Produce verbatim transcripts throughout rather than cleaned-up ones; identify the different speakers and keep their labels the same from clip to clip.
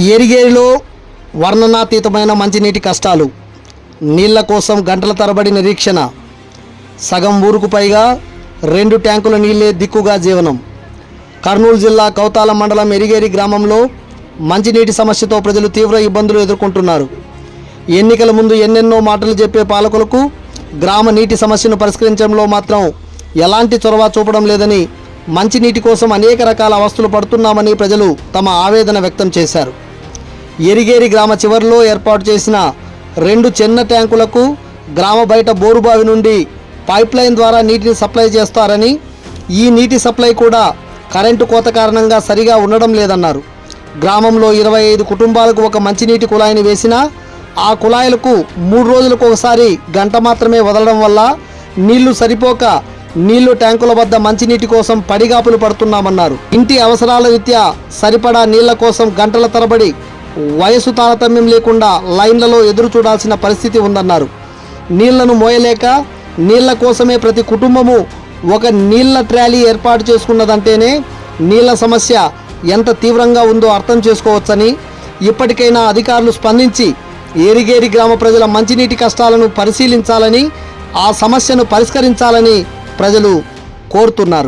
Speaker 1: ఏరిగేరిలో వర్ణనాతీతమైన మంచినీటి కష్టాలు, నీళ్ల కోసం గంటల తరబడి నిరీక్షణ, సగం ఊరుకు పైగా రెండు ట్యాంకుల నీళ్ళే దిక్కుగా జీవనం. కర్నూలు జిల్లా కౌతాల మండలం ఎరిగేరి గ్రామంలో మంచినీటి సమస్యతో ప్రజలు తీవ్ర ఇబ్బందులు ఎదుర్కొంటున్నారు. ఎన్నికల ముందు ఎన్నెన్నో మాటలు చెప్పే పాలకులకు గ్రామ నీటి సమస్యను పరిష్కరించడంలో మాత్రం ఎలాంటి చొరవ చూపడం లేదని, మంచినీటి కోసం అనేక రకాల అవస్థలు పడుతున్నామని ప్రజలు తమ ఆవేదన వ్యక్తం చేశారు. ఎరిగేరి గ్రామ చివరిలో ఏర్పాటు చేసిన రెండు చిన్న ట్యాంకులకు గ్రామ బయట బోరుబావి నుండి పైప్ లైన్ ద్వారా నీటిని సప్లై చేస్తారని, ఈ నీటి సప్లై కూడా కరెంటు కోత కారణంగా సరిగా ఉండడం లేదన్నారు. గ్రామంలో ఇరవై ఐదు కుటుంబాలకు ఒక మంచినీటి కుళాయిని వేసినా ఆ కుళాయిలకు మూడు రోజులకు ఒకసారి గంట మాత్రమే వదలడం వల్ల నీళ్లు సరిపోక నీళ్లు ట్యాంకుల వద్ద మంచినీటి కోసం పడిగాపులు పడుతున్నామన్నారు. ఇంటి అవసరాల రీత్యా సరిపడా నీళ్ల కోసం గంటల తరబడి వయసు తారతమ్యం లేకుండా లైన్లలో ఎదురు చూడాల్సిన పరిస్థితి ఉందన్నారు. నీళ్లను మోయలేక నీళ్ల కోసమే ప్రతి కుటుంబము ఒక నీళ్ల ట్రాలీ ఏర్పాటు చేసుకున్నదంటేనే నీళ్ల సమస్య ఎంత తీవ్రంగా ఉందో అర్థం చేసుకోవచ్చని, ఇప్పటికైనా అధికారులు స్పందించి ఏరిగేరి గ్రామ ప్రజల మంచినీటి కష్టాలను పరిశీలించాలని, ఆ సమస్యను పరిష్కరించాలని ప్రజలు కోరుతున్నారు.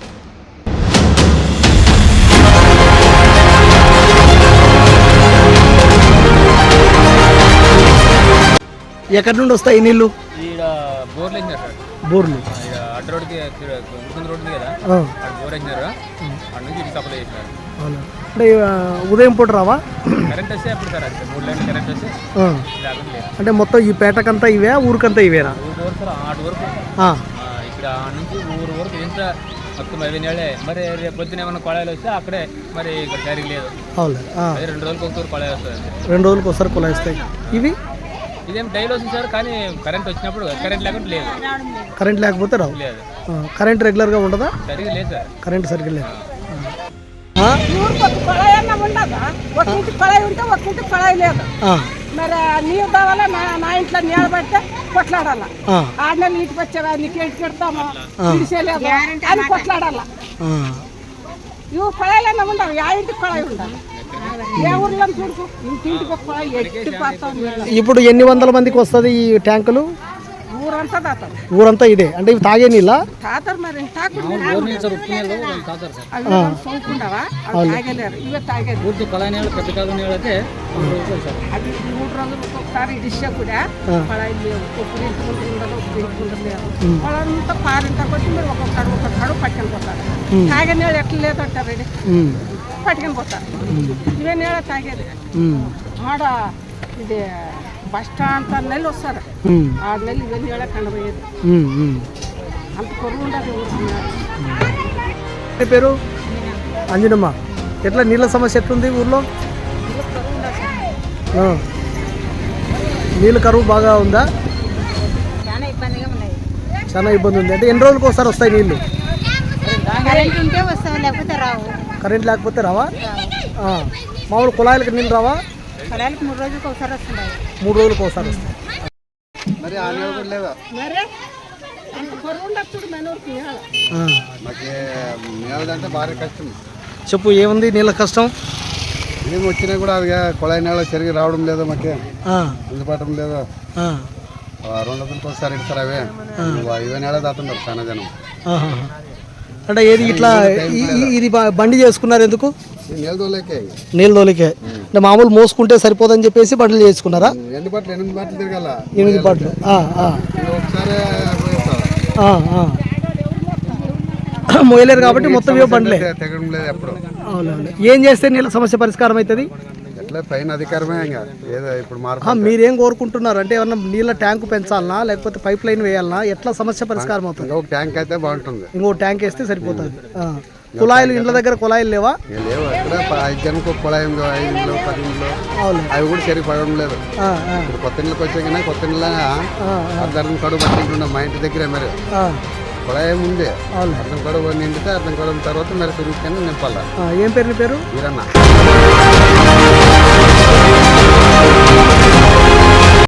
Speaker 1: ఎక్కడి నుండి వస్తాయి నీళ్లు? బోర్లు అంటే ఉదయం పూట రావా? అంటే మొత్తం ఈ పేటకంతా ఇవే, ఊరికంతా ఇవేనా?
Speaker 2: నుంచి ఊరు వరకు ఎంత మొత్తం ఐదు నెలలే. మరి రేపు పొద్దున ఏమైనా కొళాయిలు వస్తే అక్కడే మరి ఇక్కడ సరిగ్గా లేదు. రెండు రోజులకు ఒకసారి కొళాయి వస్తుంది.
Speaker 1: రెండు రోజులకు ఒకసారి కొళాయి వస్తాయి. ఇవి
Speaker 2: ఇదేం డైలీ వస్తుంది సార్, కానీ కరెంట్ వచ్చినప్పుడు కరెంట్ లేకుండా లేదు.
Speaker 1: కరెంట్ లేకపోతే రావు.
Speaker 2: లేదు.
Speaker 1: కరెంట్ రెగ్యులర్గా ఉండదా?
Speaker 2: సరిగ్గా లేదు సార్.
Speaker 1: కరెంట్ సరిగ్గా లేదు.
Speaker 3: మరి నీరు కావాలా? నా ఇంట్లో నీళ్ళు పడితే కొట్లాడాల. ఆడ నెలలు ఇంటికి వచ్చేవా నీకు ఏంటి పెడతామా తీసేలేదు అని కొట్లాడాల. ఇవి కొళాయిలన్నా ఉండవు, ఆ ఇంటికి కొళాయి ఉండాలి. ఏ ఊర్లో చూడుకు ఇంటింటికి ఒక కొళాయి ఎట్టి పోతాం.
Speaker 1: ఇప్పుడు ఎన్ని వందల మందికి వస్తుంది ఈ ట్యాంకులు?
Speaker 3: ఊరంతా తాతారు.
Speaker 1: ఊరంతా ఇదే అంటే ఇవి తాగే నీళ్ళ
Speaker 3: తాతారు. మరి తాగలేరు, ఇవే తాగేది. అది మూడు రోజులు ఒకసారి డిష్ కూడా కొళాయి లేవు. ఒక్కరు ఇంటి ఉండదు, ఒక్కరు ఇంటి ఉండలేదు. వాళ్ళంతా పారింట కొట్టి మీరు ఒక్కొక్కడు ఒక్కొక్కడు పట్టుకొని పోతారు. తాగే నీళ్ళు ఎట్లా లేదంటారు, పట్టుకొని పోతారు. ఇవే నీళ్ళ తాగేది. ఆడ ఇది బస్ స్టాండ్ ఆరు నెలలు వస్తారు. ఆరు నెలలు ఇవన్నీ ఏళ్ళ కండపోయేది. అంత కొరువు ఉండదు.
Speaker 1: పేరు అంజనమ్మ. ఎట్లా నీళ్ళ సమస్య ఎట్లుంది ఊర్లో? నీళ్ళ కరువు బాగా ఉందా? చాలా ఇబ్బంది ఉంది. అంటే ఎన్ని రోజులకు ఒకసారి వస్తాయి నీళ్ళు? కరెంట్ లేకపోతే రావా? మామూలు కుళాయిలకి నీళ్ళు రావా?
Speaker 3: మూడు రోజులకు ఒకసారి వస్తున్నాయి.
Speaker 1: మూడు రోజులకు ఒకసారి వస్తాయి.
Speaker 4: మరి ఆ నీళ్ళు కూడా లేదా? మాకు నీళ్ళదంటే భారీ కష్టం.
Speaker 1: చెప్పు, ఏముంది నీళ్ళ కష్టం?
Speaker 4: ఏమి వచ్చినా కూడా అది కుళాయి నీళ్ళు సరిగ్గా రావడం లేదు, మాకే అందుబాటం లేదు. రెండు వందలకి ఒకసారి ఇస్తారు. అవే ఇవే నీళ్ళ దాతున్నారు చాలా జనం.
Speaker 1: అంటే ఏది ఇట్లా ఇది బండి చేసుకున్నారు ఎందుకు?
Speaker 4: నీళ్ళ దోలేకే.
Speaker 1: నీళ్ళ దోలికే అంటే మామూలు మోసుకుంటే సరిపోదని చెప్పేసి బండ్లు చేసుకున్నారా?
Speaker 4: ఎన్ని బట్టలు? ఎనిమిది బట్టలు తిరగాల.
Speaker 1: ఎనిమిది బట్టలు
Speaker 4: ఒకసారి
Speaker 1: మోయలేరు కాబట్టి మొత్తం ఇవే బండ్లే.
Speaker 4: తెగడం లేదు ఎప్పుడు.
Speaker 1: అవునండి. ఏం చేస్తే నీళ్ళ సమస్య పరిష్కారం అవుతుంది?
Speaker 4: ఎట్లా పైన అధికారమే ఏదో ఇప్పుడు మార్పు.
Speaker 1: మీరేం కోరుకుంటున్నారు? అంటే ఏమన్నా నీళ్ళ ట్యాంకు పెంచాలనా, లేకపోతే పైప్ లైన్ వేయాలనా? ఎట్లా సమస్య పరిష్కారం అవుతుంది?
Speaker 4: ఇంకొక ట్యాంక్ అయితే బాగుంటుంది.
Speaker 1: ఇంకో ట్యాంక్ వేస్తే సరిపోతుంది. కుళాయిలు ఇండ్ల దగ్గర కుళాయిలు లేవా?
Speaker 4: లేవు. ఎక్కడ ఐదు జనకు ఒక కుళాయి ఉందో, ఐదు ఇంట్లో పది ఇంట్లో అవి కూడా సరిగ్గా పడడం లేదు. ఇప్పుడు కొత్త ఇళ్ళకి వచ్చాక కొత్త ఇళ్ళ అర్ధం కడుగు పట్టింటున్నాం మా ఇంటి దగ్గర. మరి కుళాయి ఉంది, అర్థం కడుగు నిండితే అర్థం కడుగు తర్వాత మరి సురుకుని నింపాల.
Speaker 1: ఏం పేరు నీ పేరు?
Speaker 4: వీరన్న.